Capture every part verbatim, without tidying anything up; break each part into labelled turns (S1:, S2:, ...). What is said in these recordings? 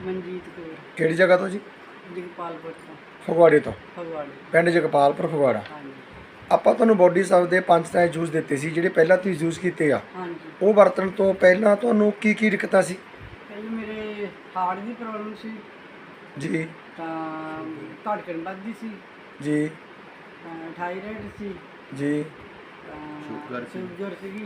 S1: ਮਨਜੀਤ ਕੌਰ
S2: ਕਿਹੜੀ ਜਗ੍ਹਾ ਤੋਂ ਜੀ?
S1: ਜਗਪਾਲਪੁਰ ਤੋਂ।
S2: ਫਗਵਾੜੇ ਤੋਂ।
S1: ਫਗਵਾੜੇ।
S2: ਪਿੰਡ ਜਗਪਾਲਪੁਰ ਫਗਵਾੜਾ।
S1: ਹਾਂਜੀ
S2: ਆਪਾਂ ਤੁਹਾਨੂੰ ਬੋਡੀ ਸਾਹਿਬ ਦੇ ਪੰਜ ਤਰ੍ਹਾਂ ਦੇ ਜੂਸ ਦਿੱਤੇ ਸੀ ਜਿਹੜੇ ਪਹਿਲਾਂ ਤੁਸੀਂ ਯੂਜ਼ ਕੀਤੇ ਆ।
S1: ਹਾਂਜੀ।
S2: ਉਹ ਵਰਤਣ ਤੋਂ ਪਹਿਲਾਂ ਤੁਹਾਨੂੰ ਕੀ ਕੀ ਦਿੱਕਤਾਂ ਸੀ?
S1: ਪਹਿਲਾਂ ਮੇਰੇ ਹਾਰਟ ਦੀ ਪ੍ਰੋਬਲਮ ਸੀ
S2: ਜੀ
S1: ਤਾਂ ਧੜਕਣ ਵੱਧਦੀ ਸੀ,
S2: ਜੀ
S1: ਤਾਂ ਥਾਇਰਾਇਡ ਸੀ,
S2: ਜੀ।
S1: ਤਾਂ ਸ਼ੂਗਰ ਸੀਗੀ।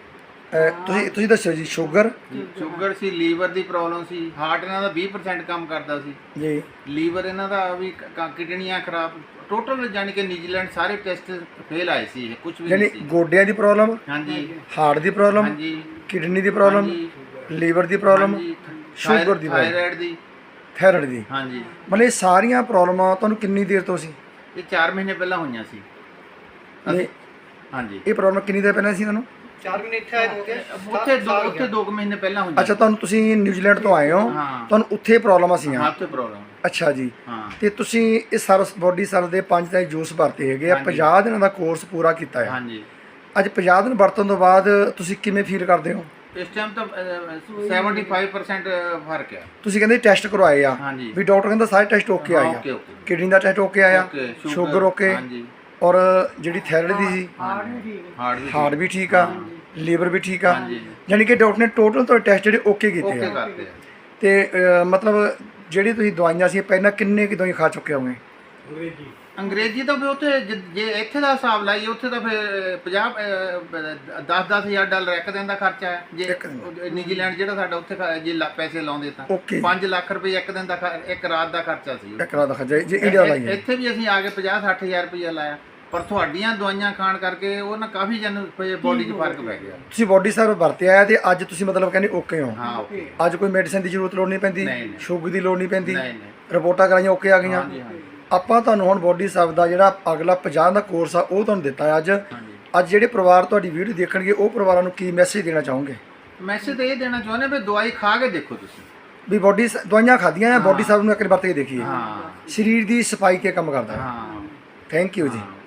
S2: ਅਹ ਤੁਸੀਂ ਤੁਸੀਂ ਦੱਸੋ ਜੀ। ਸ਼ੂਗਰ
S3: ਸ਼ੂਗਰ ਸੀ, ਲੀਵਰ ਦੀ ਪ੍ਰੋਬਲਮ ਸੀ, ਹਾਰਟ ਇਹਨਾਂ ਦਾ ਵੀਹ ਪਰਸੈਂਟ ਕੰਮ ਕਰਦਾ ਸੀ
S2: ਜੀ,
S3: ਲੀਵਰ ਇਹਨਾਂ ਦਾ ਵੀ ਕ- ਕਿਡਨੀਆਂ ਖਰਾਬ, ਟੋਟਲ ਜਾਣੀ ਕਿ ਨਿਊਜ਼ੀਲੈਂਡ ਸਾਰੇ ਟੈਸਟ ਫੇਲ ਆਏ ਸੀ, ਕੁਝ ਵੀ
S2: ਯਾਨੀ
S3: ਨਹੀਂ ਸੀ।
S2: ਗੋਡਿਆਂ ਦੀ ਪ੍ਰੋਬਲਮ,
S3: ਹਾਂਜੀ
S2: ਹਾਰਟ ਦੀ ਪ੍ਰੋਬਲਮ,
S3: ਹਾਂਜੀ
S2: ਕਿਡਨੀ ਦੀ ਪ੍ਰੋਬਲਮ,
S3: ਹਾਂਜੀ,
S2: ਲੀਵਰ ਦੀ ਪ੍ਰੋਬਲਮ,
S3: ਹਾਂਜੀ,
S2: ਸ਼ੂਗਰ ਦੀ ਪ੍ਰੋਬਲਮ,
S3: ਥਾਇਰਾਇਡ ਦੀ,
S2: ਥਾਇਰਾਇਡ ਦੀ।
S3: ਹਾਂਜੀ।
S2: ਮਤਲਬ ਇਹ ਸਾਰੀਆਂ ਪ੍ਰੋਬਲਮਾਂ ਤੁਹਾਨੂੰ ਕਿੰਨੀ ਦੇਰ ਤੋਂ ਸੀ?
S3: ਇਹ ਚਾਰ ਮਹੀਨੇ ਪਹਿਲਾਂ ਹੋਈਆਂ ਸੀ।
S2: ਨਹੀਂ,
S3: ਹਾਂਜੀ
S2: ਇਹ ਪ੍ਰੋਬਲਮ ਕਿੰਨੀ ਦੇਰ ਪਹਿਲਾਂ ਸੀ ਤੁਹਾਨੂੰ?
S4: ਚਾਰ ਮਹੀਨੇ ਇੱਥੇ ਆਏ ਹੋ ਗਏ,
S3: ਉੱਥੇ ਦੋ ਉੱਥੇ ਦੋ ਕੁ ਮਹੀਨੇ ਪਹਿਲਾਂ ਹੋਈਆਂ।
S2: ਅੱਛਾ, ਤੁਹਾਨੂੰ ਤੁਸੀਂ ਨਿਊਜ਼ੀਲੈਂਡ ਤੋਂ ਆਏ ਹੋ,
S3: ਹਾਂ।
S2: ਤੁਹਾਨੂੰ ਉੱਥੇ ਪ੍ਰੋਬਲਮਾਂ ਸੀਆਂ।
S3: ਹਾਂ ਉੱਥੇ ਪ੍ਰੋਬਲਮ।
S2: ਅੱਛਾ ਜੀ।
S3: ਹਾਂ
S2: ਤੇ ਤੁਸੀਂ ਇਸ ਸਰਵ ਬੋਡੀ ਸਰਵ ਦੇ ਪੰਜ ਤਰ੍ਹਾਂ ਦੇ ਜੂਸ ਵਰਤੇ ਹੈਗੇ ਆ,
S3: ਹਾਂਜੀ।
S2: ਪੰਜਾਹ ਦਿਨਾਂ ਦਾ ਕੋਰਸ ਪੂਰਾ ਕੀਤਾ ਹੈ।
S3: ਹਾਂਜੀ।
S2: ਅੱਜ ਪੰਜਾਹ ਦਿਨ ਵਰਤਣ ਤੋਂ ਬਾਅਦ ਤੁਸੀਂ ਕਿਵੇਂ ਫੀਲ ਕਰਦੇ ਹੋ?
S3: ਇਸ ਟਾਈਮ ਤਾਂ ਪਚੱਤਰ ਪਰਸੈਂਟ ਫਰਕ ਹੈ।
S2: ਤੁਸੀਂ ਕਹਿੰਦੇ ਟੈਸਟ ਕਰਵਾਏ ਆ
S3: ਹਾਂਜੀ।
S2: ਵੀ ਡਾਕਟਰ ਕਹਿੰਦਾ ਸਾਰੇ ਟੈਸਟ ਓਕੇ ਆਏ ਆ,
S3: ਓਕੇ ਓਕੇ
S2: ਕਿਡਨੀ ਦਾ ਟੈਸਟ ਓਕੇ ਆਇਆ,
S3: ਓਕੇ,
S2: ਸ਼ੂਗਰ ਓਕੇ,
S3: ਹਾਂਜੀ,
S2: ਔਰ ਜਿਹੜੀ ਥਾਇਰਾਇਡ ਦੀ ਸੀ,
S1: ਹਾਰਟ ਵੀ ਠੀਕ ਹੈ।
S3: ਹਾਰਟ ਵੀ
S2: ਹਾਰਟ ਵੀ ਠੀਕ ਆ, ਲੀਵਰ ਵੀ ਠੀਕ ਆ।
S3: ਹਾਂਜੀ।
S2: ਯਾਨੀ ਕਿ ਡਾਕਟਰ ਨੇ ਟੋਟਲ ਤੁਹਾਡੇ ਟੈਸਟ ਜਿਹੜੇ ਓਕੇ ਕੀਤੇ
S3: ਓਕੇ
S2: ਆ।
S3: ਕਰਦੇ ਆ।
S2: ਤੇ ਅਹ, ਮਤਲਬ ਜਿਹੜੀ ਤੁਸੀਂ ਦਵਾਈਆਂ ਸੀ ਪਹਿਲਾਂ ਕਿੰਨੇ ਕਿ ਦਵਾਈ ਖਾ ਚੁੱਕੇ ਹੋਗੇ?
S3: ਅੰਗਰੇਜ਼ੀ ਤਾਂ ਫਿਰ ਉੱਥੇ ਜ- ਜੇ ਇੱਥੇ ਦਾ ਹਿਸਾਬ ਲਾਈਏ ਉੱਥੇ ਤਾਂ ਫਿਰ ਪੰਜਾਹ ਦਸ ਦਸ ਹਜ਼ਾਰ ਡਾਲਰ ਇੱਕ ਦਿਨ ਦਾ ਖਰਚਾ ਹੈ। ਜੇ
S2: ਇੱਕ ਦਿਨ
S3: ਉਹ ਨਿਊਜ਼ੀਲੈਂਡ ਜਿਹੜਾ ਸਾਡਾ ਉੱਥੇ ਖ- ਜੇ ਲਾ- ਪੈਸੇ ਲਾਉਂਦੇ ਤਾਂ
S2: ਓਕੇ।
S3: ਪੰਜ ਲੱਖ ਰੁਪਏ ਇੱਕ ਦਿਨ ਦਾ ਖ- ਇੱਕ ਰਾਤ ਦਾ ਖਰਚਾ ਸੀ।
S2: ਇੱਕ ਰਾਤ ਦਾ ਖਰਚਾ ਜੇ ਇੰਡੀਆ ਦਾ
S3: ਇ-
S2: ਲਾਈਏ।
S3: ਇੱਥੇ ਵੀ ਅਸੀਂ ਆ ਕੇ ਪੰਜਾਹ ਸੱਠ ਹਜ਼ਾਰ ਰੁਪਇਆ ਲਾਇਆ, ਪਰ ਤੁਹਾਡੀਆਂ ਦਵਾਈਆਂ ਖਾਣ ਕਰਕੇ ਉਹ ਨਾ ਕਾਫੀ ਜਨ ਬੋਡੀ 'ਚ ਫਰਕ ਪੈ ਗਿਆ।
S2: ਤੁਸੀਂ ਬੋਡੀ ਸਰਵ ਵਰਤਿਆ ਆ ਤੇ ਅੱਜ ਤੁਸੀਂ ਮਤਲਬ ਕਹਿੰਦੇ ਓਕੇ ਹੋ?
S3: ਹਾਂ ਓਕੇ।
S2: ਅੱਜ ਕੋਈ ਮੈਡੀਸਿਨ ਦੀ ਜ਼ਰੂਰਤ ਲੋੜ ਨਹੀਂ ਪੈਂਦੀ,
S3: ਨਹੀਂ, ਨਹੀਂ।
S2: ਸ਼ੂਗਰ ਦੀ ਲੋੜ ਨਹੀਂ ਪੈਂਦੀ,
S3: ਨਹੀਂ ਨਹੀਂ
S2: ਰਿਪੋਰਟਾਂ ਕਰਾਈਆਂ ਓਕੇ ਆ ਗਈਆਂ।
S3: ਹਾਂਜੀ ਹਾਂਜੀ
S2: ਆਪਾਂ ਤੁਹਾਨੂੰ ਹੁਣ ਬੋਡੀ ਸਰਵ ਦਾ ਜਿਹੜਾ ਅਗਲਾ ਪੰਜਾਹ ਦਾ ਕੋਰਸ ਆ ਉਹ ਤੁਹਾਨੂੰ ਦਿੱਤਾ ਅੱਜ।
S3: ਹਾਂਜੀ।
S2: ਅੱਜ ਜਿਹੜੇ ਪਰਿਵਾਰ ਤੁਹਾਡੀ ਵੀਡੀਓ ਦੇਖਣਗੇ ਉਹ ਪਰਿਵਾਰਾਂ ਨੂੰ ਕੀ ਮੈਸੇਜ ਦੇਣਾ ਚਾਹੋਗੇ?
S3: ਮੈਸੇਜ ਤਾਂ ਇਹ ਦੇਣਾ ਚਾਹੁੰਦੇ ਵੀ ਦਵਾਈ ਖਾ ਕੇ ਦੇਖੋ ਤੁਸੀਂ।
S2: ਵੀ ਬੋਡੀ ਦਵਾਈਆਂ ਖਾਧੀਆਂ ਆ, ਬੋਡੀ ਸਰਵ ਨੂੰ ਇੱਕ ਵਾਰ ਵਰਤ ਕੇ ਦੇਖੀਏ।
S3: ਹਾਂ
S2: ਸਰੀਰ ਦੀ ਸਫਾਈ ਤੇ ਕੰਮ ਕਰਦਾ ਹੈ।
S3: ਹਾਂ
S2: ਥੈਂਕ ਯੂ ਜੀ।
S3: ਹਾਂ।